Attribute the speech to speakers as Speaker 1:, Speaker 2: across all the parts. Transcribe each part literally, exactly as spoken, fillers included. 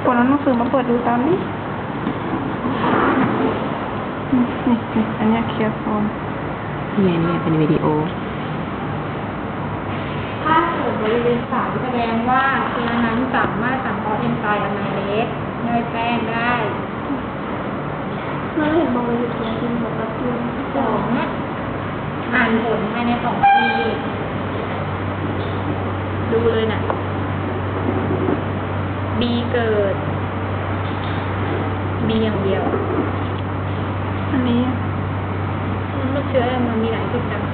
Speaker 1: คนเอาหนังสือมาเปิดดูตามดินี่นี่อันนี้เคลียร์โฟน
Speaker 2: นี่ไงนี่ไงเป็นวิดีโอ
Speaker 3: ถ้าเกิดบริเวณสายแสดงว่าเชื้อนั้นสามารถสังเคราะห์เอนไซม์อะไมเลสย่อยแป้งได้
Speaker 4: เราเห็นบอกว่าอยู่ที่จริงบอกว่าคือ
Speaker 3: สองอ่านผลภายในสองปีดูเลยน่ะ B เกิด B อย่างเดียว
Speaker 1: อันนี้
Speaker 3: มันไม่เชื้อมันมีหลายจุดจัง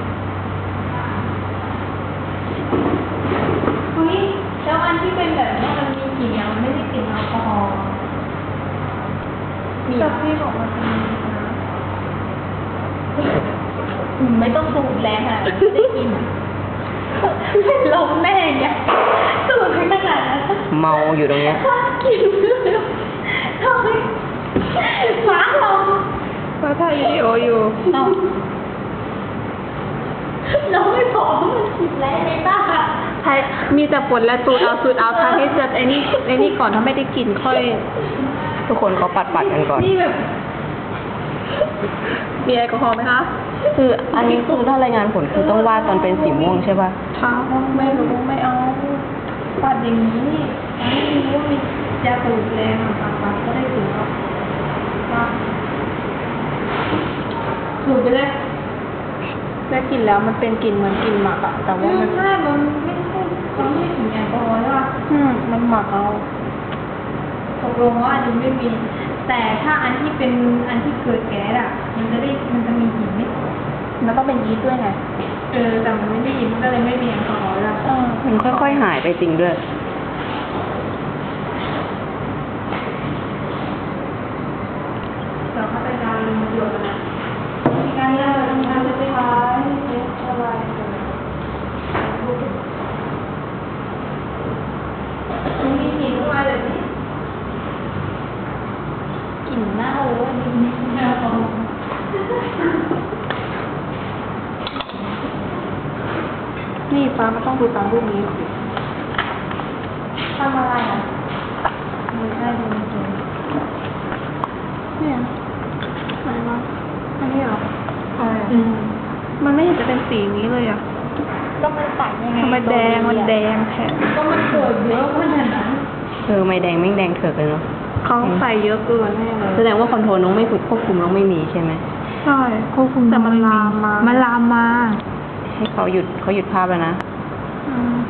Speaker 3: เฮ้ยแล้วอันที่เป็นแบบนี้มันมีกลิ่นยังมันไม่ได้กลิ่นแอลกอฮอล์มี
Speaker 1: แต่พี่บอกว่าเป็นนะ
Speaker 3: อืมไม่ต้องสูดแรงอ่ะได้กลิ่นลมแม่เนี่ยสูดไม่ขนาดนั้น
Speaker 2: เมาอยู่ตรงเนี้ย
Speaker 3: กลิ่นทำไมหมาเรา
Speaker 1: เราถ่ายวิดีโออยู่
Speaker 3: เราเราไม่พอมันกลิ่นแรงไม่ได้
Speaker 1: ถ่ายมีแต่ฝนและสูดเอาสูดเอาถ่ายให้เสร็จไอ้นี่ไอ้นี่ก่อนถ้าไม่ได้กลิ่นค่อย
Speaker 2: ทุกคนเขาปัดปัดๆกันก่อน
Speaker 3: นี่แบบ
Speaker 1: มีแอลกอฮอล์ไหมคะ
Speaker 2: คืออันนี้คือถ้ารายงานผลคือต้องวาดตอนเป็นสีม่วงใช่ป่ะ
Speaker 1: ค่ะไม่รู้ไม่เอาปัดอย่างนี้ไม่รู้ว่ามียาสูบแรงอ่ะปัดปัดก็ได้สูบอ่ะว่าสูบไปเลยได้กลิ่นแล้วมันเป็นกลิ่นเหมือนกลิ่นหมักอะแต่ว่า
Speaker 3: ไม่
Speaker 1: มัน
Speaker 3: ใช่มันไม่ใช่มันไม่ถึงแอลกอฮอล์ใช่ป่ะ
Speaker 1: อืมมันหมักเอา
Speaker 3: ตกลงว่าอันนี้ไม่มี แต่ถ้าอันที่เป็นอันที่เกิดแก๊สอ่ะ มันจะได้มันจะมีกลิ่นไหม
Speaker 1: มันต้องเป็นยีสต์ด้วยไง
Speaker 3: เออแต่มันไม่ได้ยินมันก็เลยไม่มีแอลกอฮอล์แล้ว
Speaker 1: เออ
Speaker 2: มันค่อยๆหายไปจริงด้วย
Speaker 3: เราเข้าไปการลงมาตรวจกันนะมีการเล่าทำงานจะไปขายเช็คอะไรมันมีกลิ่นขึ้นมาเลยนี่กลิ่นเน่าอ่ะนี่แอลกอฮอล์
Speaker 1: นี่ฟ้ามันต้องดูตามรูปนี้
Speaker 3: ทำอะไรอ่ะไม่ใช่ดูจริง
Speaker 1: เนี่ยอะไรวะอันนี้เหรอ
Speaker 3: ใช่
Speaker 1: อืมมันไม่เห็นจะเป็นสีนี้เลยอ่ะ
Speaker 3: ก็มันใส่ยังไง
Speaker 1: ทำไมแดงมันแดงแทน
Speaker 3: ก็มันเกิดเยอะขนาดนั้น
Speaker 2: เออไม่แดงไม่แดงเถือกเลยเนาะ
Speaker 1: เขาใส่เยอะเกินแน่เลย
Speaker 2: แสดงว่าคอนโทรลน้องไม่ฝึกควบคุมน้องไม่มีใช่ไหม
Speaker 1: ใช่ควบคุมแต่มันลามมา
Speaker 4: มันลามมา
Speaker 2: ให้เขาหยุดเขาหยุดภาพแล้วนะ
Speaker 1: อืม